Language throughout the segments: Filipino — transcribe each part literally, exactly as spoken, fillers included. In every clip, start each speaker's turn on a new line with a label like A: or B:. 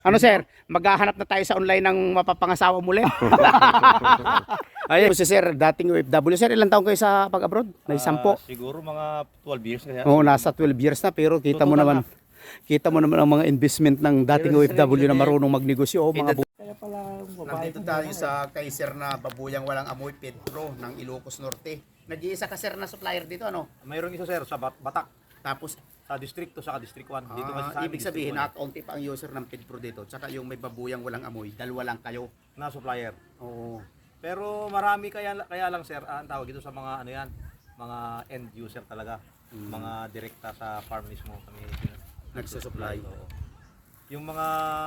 A: Ano sir, maghahanap na tayo sa online ng mapapangasawa muli. Ayun si sir, dating O F W. Sir, ilang taon kayo sa pag-abroad? May sampo.
B: Ah, siguro mga twelve years kaya.
A: Oo, nasa twelve years na pero kita mo naman, kita mo naman ang mga investment ng dating O F W na marunong magnegosyo. Oh, mga bu-
C: Kaya pala
A: Nandito tayo sa kay sir na babuyang walang amoy Pedro ng Ilocos Norte. Nag-iisa ka sir na supplier dito ano?
B: Mayroong isa sir sa Bat- Batak,
A: Tapos
B: sa District two sa District one. Dito kasi
A: ah,
B: sa
A: ibig sabihin na onti pa ang user ng Pedro dito. Tsaka yung may babuyang walang amoy, dalawa lang kayo.
B: na supplier.
A: Oo.
B: Pero marami kaya kaya lang sir, ah, ang tawag ito sa mga ano yan, mga end user talaga. Mga direkta sa farm mismo kami
A: Nagsusupply.
B: Oo. Yung mga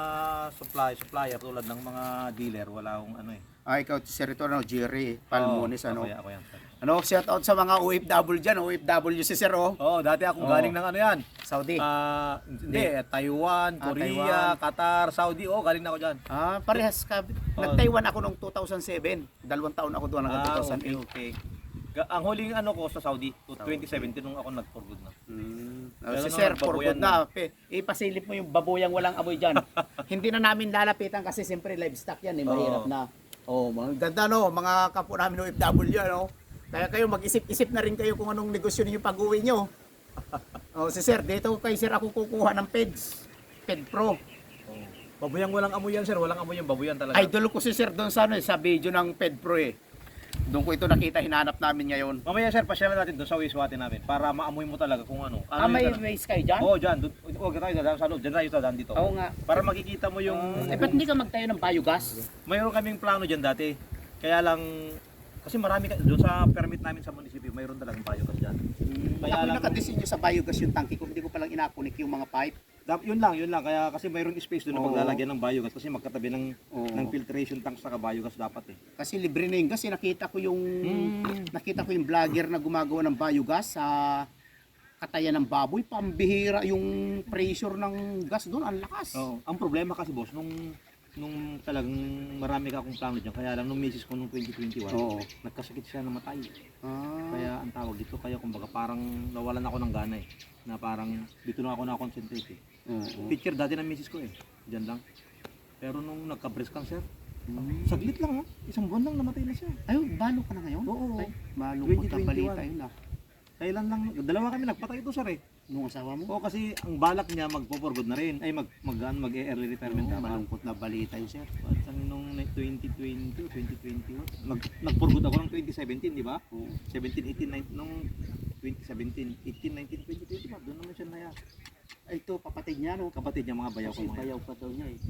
B: supply supplier tulad ng mga dealer wala akong ano eh.
A: Ah, ikaw sir ito ano, Jerry Palmones
B: Oo,
A: ano.
B: Ako yan, ako yan, sir.
A: Ano, shout out sa mga O F W dyan, O F W si sir oh.
B: Oo, dati akong
A: Oo.
B: galing ng ano yan.
A: Saudi.
B: Ah, hindi, Taiwan,
A: Ah,
B: Korea,
A: Taiwan.
B: Qatar, Saudi. Oh, galing na ako diyan.
A: Ah, parehas ka. Nag-Taiwan ako noong two thousand seven. Dalawang taon ako doon hanggang two thousand eight.
B: Ah, okay, okay. Ga- Ang huling ano ko sa Saudi, twenty seventeen nung ako nag-for good na.
A: Hmm.
B: Pero
A: si
B: no,
A: sir, for
B: babuyan
A: good na. Pe, ipasilip mo yung babuyang walang amoy dyan. Hindi na namin lalapitan kasi siyempre livestock yan eh, mahirap
B: Oo.
A: na. Oh, mga ganda no, mga kapwa namin O F W ano. Kaya kayo mag-isip-isip na rin kayo kung anong negosyo niyo pag-uwi niyo. Oh, si sir, dito kay sir ako kukuha ng Peds. Ped Pro.
B: Oh. Babuyang walang amoy yan, sir. Walang amoy yung babuyan talaga.
A: Idol ko si sir doon sa ano eh, sa video ng Ped Pro eh. Doon ko ito nakita, hinanap namin ngayon.
B: Mamaya, sir, pasyalan natin doon sa wastewater namin para maamoy mo talaga kung ano. ano
A: Ah, may
B: yung talaga-
A: waste kayo dyan?
B: Oo, dyan. Doon- Huwag tayo dyan sa loob. Dyan tayo sa dyan dito.
A: Oo nga.
B: Para makikita mo yung...
A: Eh, ba't hindi ka magtayo ng biogas?
B: Mayroon kaming plano dyan dati. Kaya lang... Kasi marami ka... Doon sa permit namin sa munisipyo, mayroon talagang biogas dyan.
A: Kaya ako nakadesign sa biogas yung tangke ko, hindi ko palang inakunik yung mga pipe.
B: Dap- Yun lang, yun lang. Kaya kasi mayroong space doon na
A: Oo.
B: paglalagyan ng biogas kasi magkatabi ng
A: Oo.
B: ng filtration tank sa biogas dapat eh.
A: Kasi libre na yun. Kasi nakita ko yung
B: Mm.
A: nakita ko yung vlogger na gumagawa ng biogas sa katayan ng baboy. Pambihira yung pressure ng gas doon. Ang lakas.
B: Oo. Ang problema kasi boss nung nung talagang marami ka akong plano diyan kaya lang nung misis ko nung twenty twenty-one
A: Oo.
B: nagkasakit siya namatay.
A: Ah,
B: Kaya ang tawag dito kaya kumbaga parang nawalan ako ng gana eh. Na parang dito na ako na-concentrate eh.
A: oo.
B: Picture dati ng misis ko eh. Diyan lang. Pero nung nagka-breast cancer,
A: Hmm.
B: saglit lang ha. Isang buwan lang namatay na siya.
A: Ay, balo ka na ngayon?
B: Oo.
A: Ay, malungkot na
B: twenty twenty-one.
A: balita yun ah.
B: Kailan lang, dalawa kami nagpatay ito sir eh.
A: Nung asawa mo?
B: Oo, kasi ang balak niya magpo-for good na rin. Ay mag mag ano, mag-early retirement
A: Oo,
B: ka.
A: malungkot na balita yun sir.
B: At ano, nung twenty twenty o twenty twenty-one, nag nag-for good ako ng twenty seventeen, di ba?
A: Oo.
B: seventeen, eighteen, nineteen nung twenty seventeen, eighteen, nineteen, twenty, twenty ba? Doon naman siya naya.
A: Ay, ito, kapatid niya no?
B: Kapatid niya mga bayaw ko
A: Kasi
B: mga.
A: bayaw pa daw niya eh.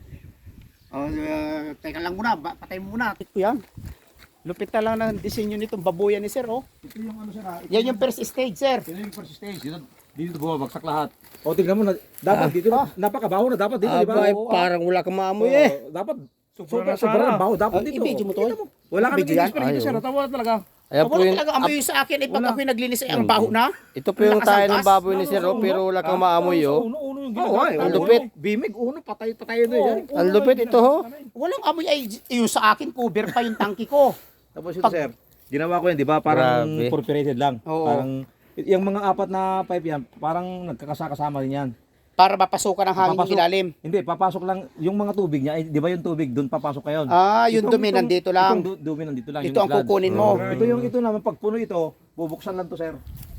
A: Oh, uh, teka lang muna, ba- patay mo muna. Ito yan. Lupit na lang ng disenyo nitong babuyan ni sir, oh.
B: Ito yung ano sir ha?
A: Yan yung first stage, sir.
B: Ito yung first stage. Dito, dito bumabagsak lahat. O tingnan mo na, dapat
A: Ah,
B: dito,
A: ah.
B: napakabaho na dapat dito, di ba?
D: Aba, eh,
B: Oo,
D: parang wala kang maamoy
B: oo,
D: eh.
B: Dapat, sobra, sobra ng baho, dapat
A: Ah,
B: dito.
A: i-video mo to,
B: Kita Wala kami
A: Video yan?
B: experience dito
D: Ay,
B: sir,
D: oo.
B: tawa talaga.
D: Ayan po
A: Wala
D: yung,
A: talaga amoy sa akin, eh pag
B: Wala.
A: ako'y naglinis ay ang baho na.
D: ito po yung
A: Lakas
D: tayo
A: ang
D: ng
A: gas.
D: baboy ni Sir, oh, pero wala kang maamoy oh.
B: Uno, uno yung
D: Oo, ay,
B: ginagamit.
D: ang lupit.
B: Bimig, uno, patay, patay na yan.
D: Ang lupit ito ho.
A: Walang amoy ay yung sa akin, cover pa yung tangki ko.
B: Tapos ito
A: Pag-
B: sir, ginawa ko yan, di ba? Parang
D: Grabe.
B: perforated lang.
A: Oo.
B: Parang, yung mga apat na pipe yan, parang nagkakasakasama rin yan.
A: Para mapasukan ng hangin
B: Papasok.
A: yung ilalim.
B: Hindi, papasok lang, yung mga tubig niya, eh, di ba yung tubig, doon papasok kayo.
A: Ah, yung
B: Itong-
A: dumi
B: itong-
A: nandito lang.
B: Itong du- dumi nandito lang.
A: Ito
B: yung
A: ang
B: sludge.
A: kukunin mo.
B: Ito yung ito naman, pag puno ito, bubuksan lang to sir.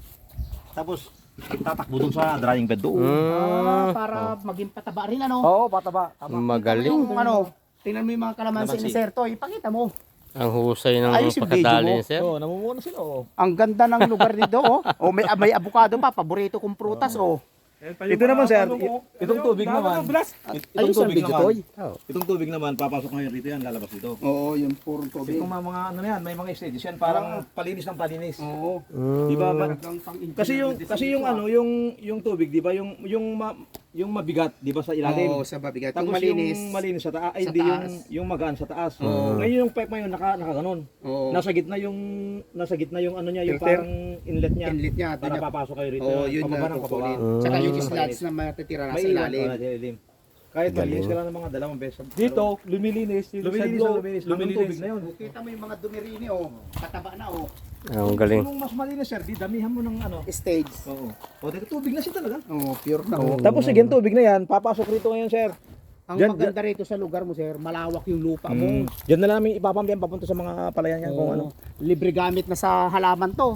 B: Tapos, tatakbo doon sa drying bed doon.
A: Ah,
D: Mm,
A: para maging pataba rin ano.
B: Oo, pataba. Tama.
D: magaling.
A: Yung ano, tingnan mo yung mga kalamansi
B: Kalamansi.
A: ni Sir Toy, ipakita mo.
D: Ang husay ng
A: Ayos yung video
D: pagkadali
A: mo.
D: ni Sir.
B: Oo, namumuno sila. Oo.
A: Ang ganda ng lugar nito, oh. Oh, may may avocado pa, paborito kong prutas, oh.
B: Ito naman sir, i- itong tubig naman. It- Itong
A: Ayos ang
B: tubig
A: video,
B: naman.
A: Toy.
D: Oh.
B: Itong tubig naman, papasok ngayon rito yan, lalabas dito.
A: Oo, yung purong
B: Kasi kung mga, mga ano na yan, may mga stages yan, parang palinis ng palinis.
A: Oo.
D: Mm.
B: Di ba? Ma-
A: Talagang pang-engineer
B: Kasi yung
A: na
B: kasi
A: design
B: yung
A: ito,
B: ano, yung yung tubig, di ba? Yung yung ma, yung mabigat, di ba sa
A: ah.
B: ilalim?
A: Oo, sa babigat.
B: Tapos
A: Yung malinis.
B: yung malinis sa taas, ay
A: sa
B: di yung
A: taas.
B: yung magaan sa taas. Ngayon yung pipe ngayon naka nakaganon.
A: Oo.
B: Nasa gitna yung nasa gitna yung ano niya, yung
A: Filter?
B: parang inlet niya.
A: Inlet niya.
B: Para
A: Para
B: papasok kayo rito.
A: Oo, yun
B: pababa
A: na
B: ng pababa.
A: kukunin. Tsaka yung
B: Mm.
A: slats na matitira na
B: May
A: sa
B: ilan
A: ilalim.
B: oh, ilalim. Kahit malinis ka lang ng mga dalawang beses.
C: Dito, lumilinis. Dito
B: lumilinis
C: sa
B: na
C: loob,
B: lumilinis. Lumilinis tubig na yun.
A: Kita mo yung mga dumi rin, oh. Kataba na, oh.
D: Ang galing.
B: Kung mas malinis sir, di damihan mo ng ano.
A: Stage.
B: Oo. O, dito tubig na siya talaga.
A: Oh, pure na, oh.
B: Tapos sige, tubig na yan, papasok rito ngayon sir.
A: Ang
C: Diyan-
A: maganda rito sa lugar mo, sir, malawak yung lupa mo.
C: Mm. Diyan na lang namin ipapambiyan papunta sa mga palayan yan kung ano.
A: Oo. Libre gamit na sa halaman to.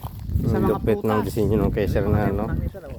A: Sa
D: Ang
A: mga
D: lupit ng
A: prutas.
D: disenyo ng kay sir na ano.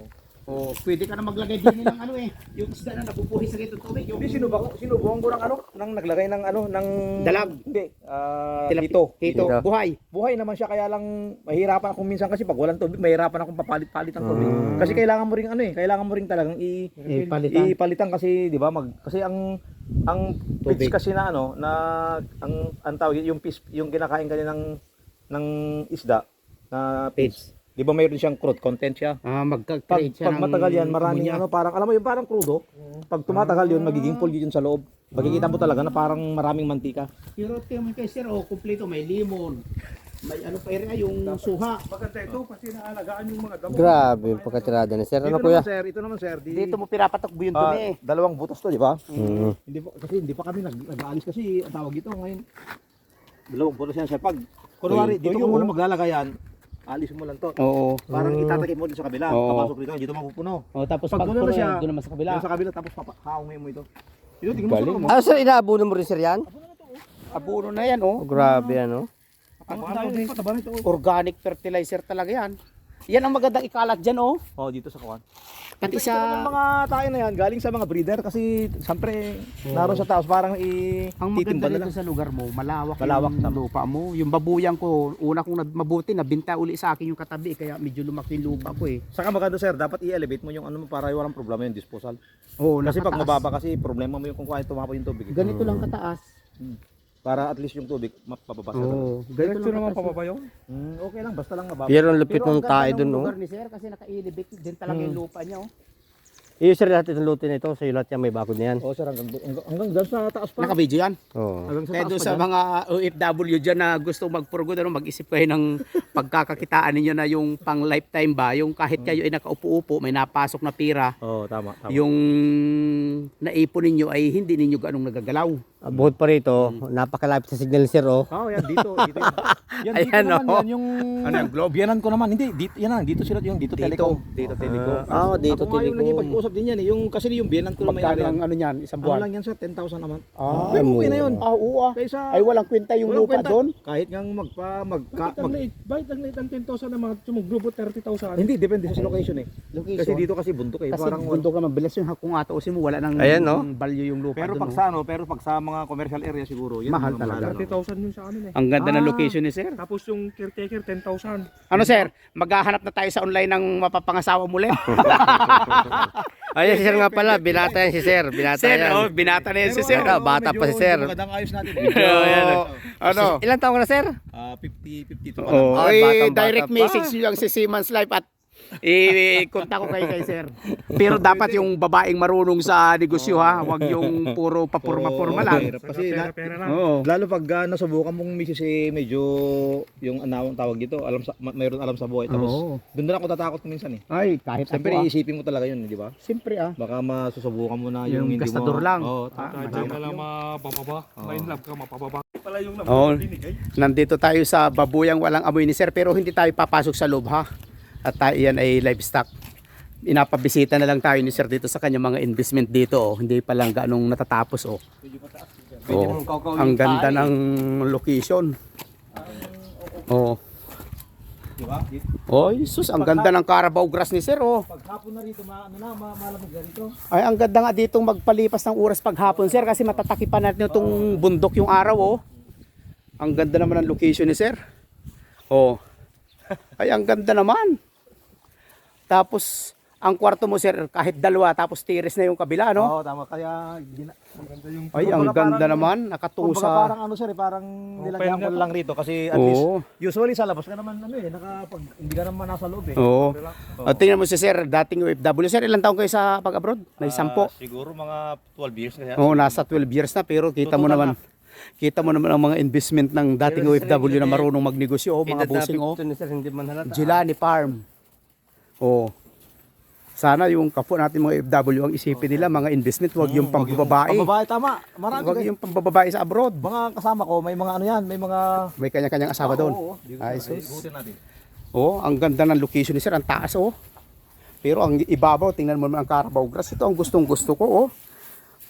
A: Oh, pwede ka na maglagay din ng ano eh. Yung isda na nabubuhay sa rito tubig. Yung
C: Hindi, sinubukan ko, sinubukan ko ng ano, nang naglagay ng ano, ng...
A: Dalag.
C: Hindi, ah,
A: Tilapi-
C: dito.
A: Tito,
D: Dito.
A: buhay.
C: Buhay naman siya, kaya lang mahirapan ako minsan kasi pag walang tubig, mahirapan akong papalit-palit ng tubig.
D: Mm.
C: Kasi kailangan mo ring ano eh, kailangan mo ring talagang i
A: Eh, palitan.
C: ipalitan kasi 'di ba mag kasi ang ang
A: Tubig.
C: fish kasi na ano na ang ang tawag yung fish yung kinakain kanina ng ng isda na fish. 'Di ba mayroon siyang crude content siya?
A: Ah,
C: Pag,
A: magka-create siya
C: pag
A: ng
C: matagal yan, maraming
A: ammonia.
C: ano, parang, alam mo yung parang crudo, pag tumatagal yun, magiging pulgi yun sa loob. Makikita mo talaga na parang maraming mantika.
A: Pero tingnan mo kay sir, oh, kumpleto, may limon. May ano pa rin, yung suha.
C: Maganda ito kasi naalagaan yung mga damo.
D: Grabe yung pagkatirada ni sir. Ano
C: Ito
D: kuya?
C: naman sir, ito naman sir. Di,
A: Dito mo pinapatakbo yung
C: ah,
A: dumi.
C: dalawang butas to, di ba?
D: Mm.
C: Hindi pa, kasi hindi pa kami nag, nag-aalis kasi ang tawag ito ngayon. Dalawang butas yan sir. Pag, kunwari,
A: Tuyo,
C: dito ko
A: tuyo,
C: muna
A: oh.
C: maglalagay yan, alis mo lang to.
A: Oo.
C: Parang itatakip mo dito sa kabila,
A: Oo.
C: papasok dito, dito mapupuno.
A: Oh, tapos
C: Pag
A: pag,
C: puno na siya,
A: doon naman sa kabila.
C: Dito sa kabila, tapos papa- haungin mo ito. Ito, tingnan mo
A: Galing,
C: sa mo.
D: Ah, sir, inaabunan mo rin sir yan?
A: Abuno na yan, oh.
D: Oh, grabe ano.
C: Ang dami din pataba nito.
A: Organic fertilizer talaga yan. Yan ang magandang ikalat dyan, oh.
C: Oh, dito sa kuwan.
A: Pati
C: Ito naman
A: sa...
C: mga tayo na yan, galing sa mga breeder kasi siyempre naroon sa taas parang i
A: Ang maganda
C: titimba na
A: rito
C: lang.
A: sa lugar mo, malawak,
C: Malawak
A: yung
C: na.
A: lupa mo. Yung babuyang ko, una kong nab- mabuti, nabinta uli sa akin yung katabi, kaya medyo lumaki yung lupa ko eh.
C: Saka maganda sir, dapat i-elevate mo yung ano mo para walang problema yung disposal.
A: Oo,
C: Kasi pag
A: nakataas.
C: mababa kasi problema mo yung kung kaya tumapo yung tubig. eh.
A: Ganito lang kataas.
C: Para at least yung tubig mapapabasa.
A: Oo, ganito lang kataas.
C: yun? Mm, okay lang, basta lang mababa.
D: Pero ang lupit
A: Pero
D: ng
A: ang ganda
D: tayo
A: ng
D: dun, no?
A: lugar ni sir kasi naka-elevate din talaga yung lupa niya, oh.
D: Iyo sir, lahat itong luto na ito, sa lahat yan may bakod na yan.
C: Oh sir, hanggang, hanggang, hanggang dyan sa taas pa.
A: Naka-video yan.
D: Oo.
C: Hanggang sa
A: Kaya
C: taas
A: doon
C: pa
A: sa
C: dyan.
A: mga O F W dyan na gusto magpurgod, ano, mag-isip kayo ng pagkakakitaan ninyo na yung pang lifetime ba, yung kahit kayo ay nakaupo-upo, may napasok na pira,
C: Oh, tama, tama.
A: yung naipon ninyo ay hindi ninyo ganong nagagalaw.
D: Ah, bukod pa rito, napakalapit sa signal sir, oh.
C: Oh, yan dito, dito. Yan, yan dito
D: Ayan,
C: naman,
D: oh.
C: yan yung ano yung globe. Yanan ko naman. Hindi, dito, yan lang, dito sila yung dito, telecom. Dito telecom.
D: Ah, oh, dito
C: Ako nga yung naging
D: telecom.
C: pag-usap din yan eh. Yung kasi yung biyanan ko na may
A: Magkano
C: ari.
A: ang ano niyan, isang
C: Ano
A: buwan?
C: lang yan sir, ten thousand naman.
A: Ah,
C: Pero okay na yun.
A: ah, oo ah.
C: Kaysa
A: Ay walang kwenta yung
C: walang
A: lupa
C: kwenta.
A: doon.
C: Kahit nga magpa magka mag,
E: Bakit ang late ang ten thousand na mga sumugrupo thirty thousand?
C: hindi depende sa location eh.
A: Location.
C: Kasi dito kasi bundok eh.
A: Kasi
C: Parang
A: bundok naman bilas yung kung atausin mo wala nang
D: Ayan, no?
A: value yung lupa
C: pero
A: doon.
C: pag
A: no?
C: sa ano, pero pag sa mga commercial area siguro, yun
A: Mahal
C: ang
A: talaga.
C: mahal,
E: thirty
C: ano.
E: thousand yung sa amin eh.
A: Ang ganda ng
C: Ah.
A: location ni sir.
E: Tapos yung caretaker ten thousand.
A: Ano sir, maghahanap na tayo sa online ng mapapangasawa muli.
D: Ayun si sir nga pala, binata yan si sir. Binata
A: sir,
D: yan.
A: oh, binata na yan si
C: Pero
A: sir.
C: ano,
D: Bata, bata
C: medyo-
D: pa si sir.
C: medyo Magandang ayos natin.
A: Oh, yan, oh. Ano?
D: Ilan taong ka na sir?
C: Ah, fifty, fifty-two pa
A: Oh,
C: lang.
D: Ah,
A: eh,
D: batang-bata
A: direct
D: pa.
A: message nyo lang si Siemens Life at i-kontak ko kayo kay sir. Pero dapat yung babaeng marunong sa negosyo ha, wag yung puro papurma-purma lang.
C: Mahirap kasi na,
E: Pera-pera lang.
A: Oo.
C: lalo pag uh, nasubukan mong misis eh, medyo yung anawang tawag dito, alam sa ma- mayroon alam sa buhay. Tapos
A: Oo.
C: doon na lang ako tatakot minsan eh.
A: Ay, kahit
C: Siyempre
A: ako ah.
C: iisipin mo talaga yun, di ba?
A: Siyempre ah.
C: Baka masusubukan mo na yung,
A: Yung
C: hindi
A: gastador
C: mo.
A: lang.
C: Oo,
A: Ah,
C: tama.
E: Diyan ka lang mapapaba. May love ka mapapaba. Pala yung love
A: Oo.
E: mo binigay.
A: Nandito tayo sa babuyang walang amoy ni sir pero hindi tayo papasok sa loob ha. At tayo yan ay livestock. Inapabisita na lang tayo ni sir dito sa kanyang mga investment dito oh. Hindi pa lang ganong natatapos oh. Oh. Ang ganda ng location. Oh.
C: Di ba? Di-
A: Oh, Jesus, ang ganda ng Carabao grass ni sir oh.
C: Pag hapon na rito, ma, ano na, ma, malamig na rito.
A: Ay, ang ganda nga ditong magpalipas ng oras paghapon sir kasi matatakipan natin itong bundok yung araw oh. Ang ganda naman ng location ni sir. Oh. Ay, ang ganda naman. Tapos, ang kwarto mo sir, kahit dalawa, tapos tiris na yung kabila, no?
C: Oo, tama. Kaya, gina,
A: Ay, ang
C: Kumbaga
A: ganda
C: parang-
A: naman, nakatungo
C: kumbaga
A: sa...
C: parang ano sir, eh, parang nilagyan ko lang rito kasi at
A: Oo.
C: least, usually sa labas ka naman, ano eh, nakapag, hindi ka naman nasa loob eh.
A: Oo. At tingnan mo si sir, dating O F W. Sir, ilang taon kayo sa pag-abroad? May sampo.
C: Ah, siguro mga twelve years kaya.
A: Oo, nasa twelve years na, pero kita mo
C: Tutukan
A: naman, kita mo naman ang mga investment ng dating O F W na marunong magnegosyo, oh, mga busing, oh.
D: Ito ni sir, hindi man halata.
A: Gilani Farm. Oh. Sana yung kapwa natin mga O F W ang isipin nila mga investment, wag yung pambababae.
C: Pambabae, tama. Marami
A: Wag
C: kayo.
A: yung pambababae sa abroad.
C: Mga kasama ko, may mga ano yan, may mga...
A: May kanya-kanyang asawa doon.
C: Oo, oo.
A: Ay,
C: Ay,
A: sus.
C: ikutin natin.
A: Oh, ang ganda ng location ni sir, ang taas oh. Pero ang ibabaw, tingnan mo naman ang Carabao grass. Ito ang gustong gusto ko oh.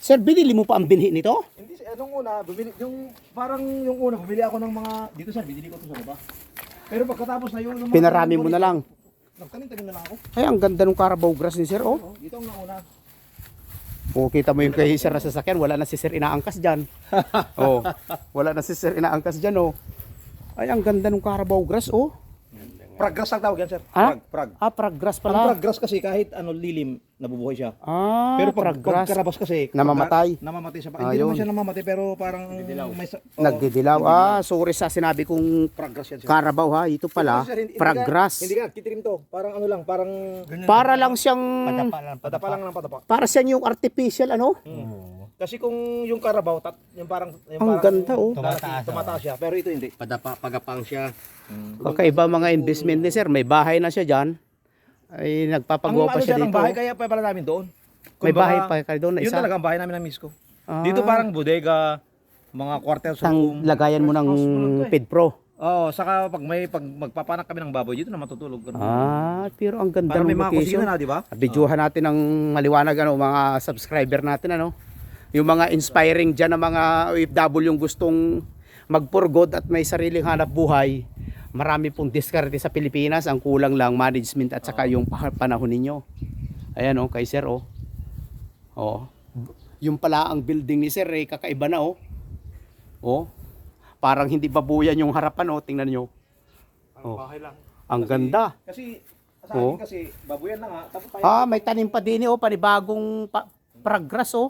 A: Sir, binili mo pa ang binhi nito?
C: Hindi, anong una, bumili, yung, parang yung una, bumili ako ng mga, dito sir, binili ko ito sa baba. Pero pagkatapos na yun, yung mga-
A: Pinarami mo na lang.
C: Nagtanim-tanim na lang ako.
A: Ay, ang ganda ng Carabao grass ni Sir, oh.
C: Oh, dito ang nauna.
A: O, kita mo yung kay Sir na sasakyan, wala na si Sir inaangkas dyan. Oh, wala na si Sir inaangkas dyan, oh. Ay, ang ganda ng Carabao grass, oh.
C: Praggrass ang tawag yan, sir.
A: Ah?
C: Prag, prag.
A: Ah, praggrass
C: Ang
A: pala.
C: praggrass kasi kahit ano lilim, nabubuhay siya.
A: Ah,
C: Pero pag, pag
A: praggrass.
C: karabas kasi,
A: Namamatay.
C: pagka- namamatay siya.
A: Ah,
C: Hindi naman
A: yun.
C: siya namamatay, pero parang may sa- oo,
A: Nagdidilaw. Ah, sorry sa sinabi kong
C: praggrass yan, sir.
A: Carabao, ha. Ito pala,
C: Pero, sir, hindi- hindi ka-
A: praggrass.
C: Hindi ka, titirim to. Parang ano lang, parang
A: Para lang siyang,
C: padapa lang ng padapa.
A: para siyang yung artificial, ano?
C: Kasi kung yung Carabao, tat, yung parang yung
A: Ang
C: parang
A: ganda, oh.
C: tumataas, tumataas siya, pero ito hindi.
D: Padapa, pagapang siya.
A: Kakaiba mga investment ni Sir. May bahay na siya dyan. Ay, nagpapagawa
C: Ang
A: pa
C: ano
A: siya
C: dyan, ang
A: dito.
C: bahay kaya pa pala namin doon.
A: May
C: Kumbaga,
A: bahay pa kayo doon na
C: Yun
A: isa.
C: talaga ang bahay namin ng miss ko.
A: Ah.
C: Dito parang bodega, mga quarter
A: Sang
C: room.
A: lagayan mo ng Pedpro.
C: Oo, saka pag may pag magpapanak kami ng baboy dito na matutulog. Ganun.
A: Ah, pero ang ganda
C: Para
A: ng
C: may mga
A: location.
C: kusina na, di ba?
A: Videohan natin ng maliwanag ano, mga subscriber natin ano. Yung mga inspiring diyan ng mga O F W yung gustong mag-for-good at may sariling hanap buhay. Marami pong diskarte sa Pilipinas, ang kulang lang management at saka yung pa- panahon ninyo. Ayan oh, kay Sir oh. Oh. Yung pala ang building ni Sir eh, kakaiba na oh. Oh. Parang hindi babuyan yung harapan oh, tingnan nyo. Oh.
E: Bahay lang.
A: Ang ganda.
C: Kasi sa
A: Oo.
C: akin kasi baboyan na nga, tapos tayo.
A: Ah, may tanim pa din eh, oh, panibagong pa- praggrass oh.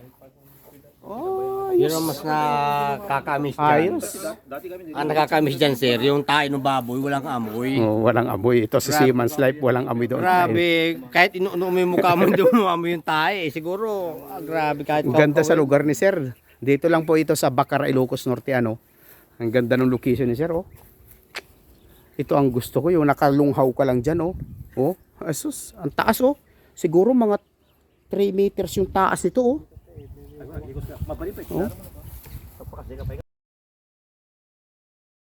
A: Oh,
D: Yun
A: ayos.
D: ang mas nakakamiss dyan.
A: Ayos.
C: Dati kami dito.
D: Ang nakakamiss dyan, sir, yung tayo ng baboy, walang amoy.
A: Oh, walang amoy. Ito sa Seaman's Life, walang amoy doon.
D: Grabe, kahit inuuno mo yung mukha mo, hindi mo amoy yung tayo. Eh, siguro, ah, grabe, kahit
A: Ang ganda sa lugar ni Sir. Dito lang po ito sa Bacara, Ilocos Norte, ano. Ang ganda ng location ni Sir, oh. Ito ang gusto ko, yung nakalunghaw ka lang dyan, oh. Oh, asus, ang taas, oh. Siguro mga three meters yung taas nito, oh.
C: Mabalik pa.
A: Oh.
C: Kapag kasi kapag